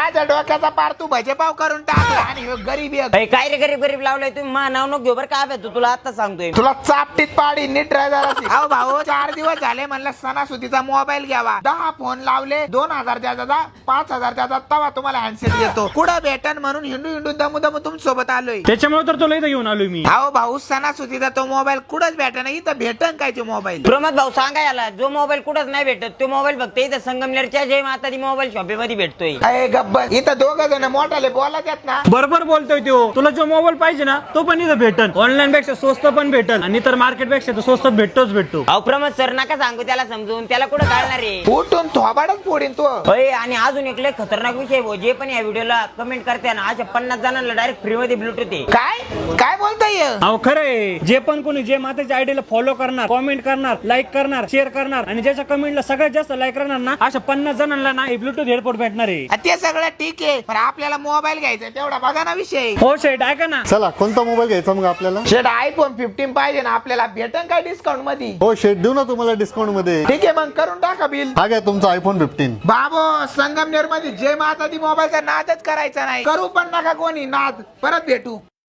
माझ्या डोक्याचा पार तू भजेपाव करून टाकला आणि ह्यो गरीब एक. अरे काय रे गरीब गरीब लावलंय तुम्ही मा नाव नको घेऊ बरं का तू तुला आता सांगतोय तुला चापटीत पाडी नीट ड्रायव्हर अहो भाऊ 4 दिवस झाले म्हणलं सणासुदीचा मोबाईल घ्यावा 10 फोन लावले 2000 द्याचा 5000 द्याचा तवा तुम्हाला हँडसेट देतो कुठं भेटन म्हणून हिंडू दमू तुमच्यासोबत आलोय त्याच्यामुळे तर तुला इथं घेऊन आलोय मी. अहो भाऊ सणासुदीचा तो मोबाईल कुठंच भेटन इथं भेटन काय तो मोबाईल. प्रमोद भाऊ सांगा याला जो मोबाईल कुठंच नाही भेटत तो मोबाईल फक्त इथं संगमनेरच्या जय माता दी मोबाईल शॉपीमध्ये भेटतोय. अरे गब्बर इथं 2 जण मोठाले बोलत आहेत ना. बरोबर बोलतोय तो. तुला जो मोबाईल पाहिजे ना तो पण इथं भेटल. ऑनलाईन पेक्षा स्वस्त पण भेटल आणि इतर मार्केट पेक्षा तो स्वस्त भेटतो. अहो प्रमोद सर नका सांगू त्याला समजून त्याला कुठं कळणार आहे. उठून थोबाडच फोडीन तो. होय आणि अजून एक लय खतरनाक विषय भाऊ जे पण या व्हिडिओला कमेंट करते ना अशा 50 जणांना डायरेक्ट फ्री मध्ये ब्लूटूथ आहे. काय बोलताय. अहो खरंय जे पण कोणी जे माताच्या आयडीला फॉलो करणार कॉमेंट करणार लाईक करणार शेअर करणार आणि ज्याच्या कमेंटला सगळ्यात जास्त लाईक करणार ना अशा 50 जणांना ना ब्लूटूथ हेडफोन भेटणार आहे. ते सगळं ठीक आहे पण आपल्याला मोबाईल घ्यायचा तेवढा बघा ना विषय. हो शेट ऐका ना. चला कोणता मोबाईल घ्यायचा मग आपल्याला? शेट आयफोन 15 पाहिजे ना आपल्याला भेटन काय डिस्काउंट मध्ये? हो शेट देऊ ना तुम्हाला डिस्काउंट मध्ये. ठीक आहे मग करून टाका बिल. हा घ्या तुमचा आयफोन 15. बाबो संगमनेर मध्ये जय माता दी मोबाईलचा नादच करायचा नाही करू पण नका कोणी नाद. परत भेटू.